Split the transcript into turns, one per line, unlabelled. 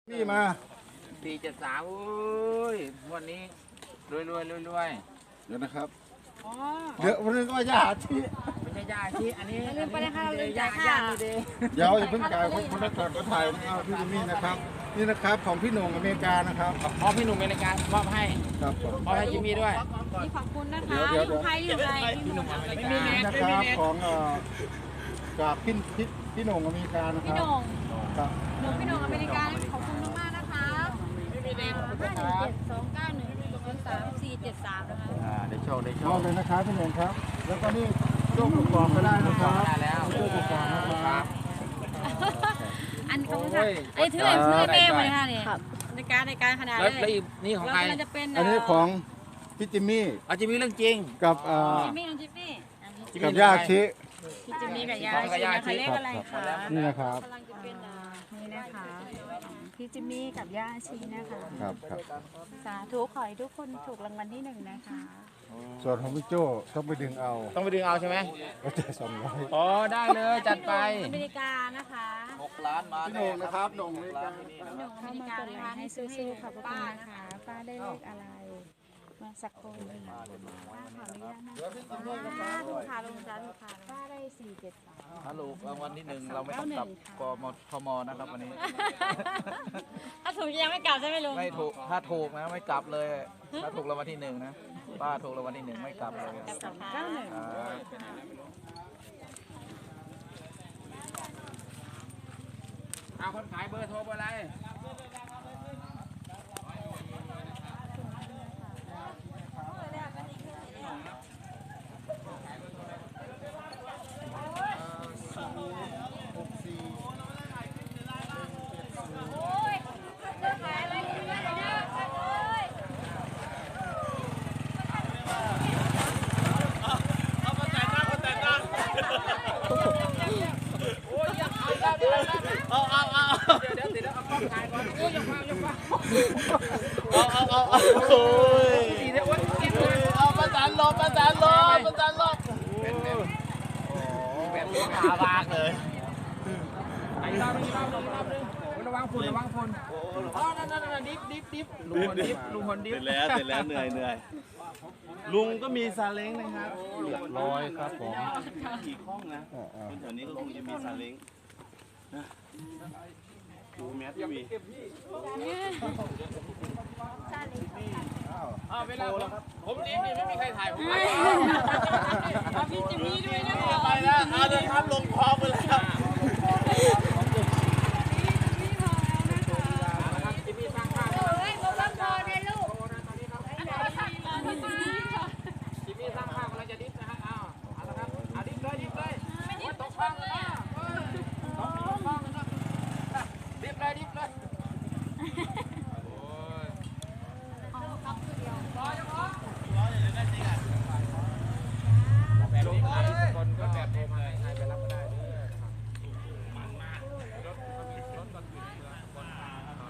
นี่มา
473โอ้ยวันนี้รวย
เดี๋ยวนะครับ
อ๋อ
เดี๋ยววันนี้ก็ย่าที่
ไม่ใช่ยาชีอันนี้
ลืมไปเลยค่ะลืมจ่าย
ยา
ค่ะ
ดี
เดี๋ยวอย่าเพิ่งจ่ายคนละก่อนก็ถ่ายนะครับพี่จิมมี่นะครับ นี่นะครับของพี่หนุ่มอเมริกานะครับ
พอพี่หนุ่มเป็นรายการมอบให้
ครับผม
มอบให้จิมมี่ด้วย
นี่ขอบคุณนะคะนี่ของใครนี่ของใครพี่หนุ่ม
ไม่มี
นี่นะครับของจากพี่หนุ่มอเมริกานะค
พี่
รับ
โหน่ง
ครับ
พี่โหน่งอเมริกาขอบคุณมากๆนะคะ51729103473นะคะ
ได้โชคได้โช
มอบ
ค
เลยนะครับพี่หนุ่มครับ แล้วก็นี่โจ้กุกกองก็ได้นะครับ
ได้แล้ว
โจ้กุกกองนะครับ
อันขอบคุณค่ะอันนี้ถือให้แม่มาเลยค่ะนี่ในการขนาด
แล้ว
เลย
อีกนี่ของ
แล้ว
ใคร
มันจะเป็น
อันนี้ของพี่จิมมี่
เอาจิมมี่เรื่องจริง
กับ
จิมมี่น้องจิมมี่
กับย่าชิ
พี่จิมมี่กับยาชีนะคะเลขอะไรคะ
นี่นะครับ
กำลังจะเป็น
นี่นะคะพี่จิมมี่กับย่าชีนะคะ
ครับครับ
สาธุขอให้ทุกคนถูกรางวัลที่1นะคะ
ส่วนของพี่โจ้ต้องไปดึงเอา
ต้องไปดึงเอาใช่ไหม
ก็จะ200
อ๋อได้เลยจัดไป
อเมริกานะคะ
6 ล้านมา
พี่โหน่งนะครับโหน่งอเมริกา
หนุ่มอ
เข้า
เมริ
มาก
กา
ด
นะ
ไล
คะ
ค์ให้
ให้ซื้อให้
สู้ๆขอบคุณ
ป้า
นะ
นะคะ
คะป้าได้เลขอะไรมาสักครู่หนึงป้าขออนุญาตนะคะ
ถูกค่ะลงจ้าถูกค่ะ
ป้าได้473
ฮัลโหลรางวัลที่1เราไม่ต้องกลับกมนะครับวันนี้
ถ้าถูกยังไม่กลับใช่ไหมลุง
ไม่ถูกถ้าถูกนะไม่กลับเลย ถ้าถูกรางวัลที่1นะป้าถูกรางวัลที่1ไม่กลับเลย
291
เอาคนขายเบอร์โทรเบอร์อะไรเดี๋ยวติดแล้วเอากล้องถ่ายก่อนโอ้ยยังมา
โอ้ย
ดีเลยโอ้ยกินเลย
เอาประสานลมแบบนี้หามากเลย
ไอ้รอบนึงระวังฝุ่นอ๋อนั่นดิฟลุงคนดิฟ
เสร็จแล้วเหนื่อยลุงก็มีซาเล้งนะครับ
100ครับผม
กี่ห้องนะคนแถวนี้ก็คงจะมีซาเล้งนะดูแมสทีวี
เวลาผมดิฟนี่ไม่มีใครถ่ายผม
เอาพี่จิมมี่ด้วยนะคะ
ไปแล้วเอาเลยครับลงคลองไปแล้ว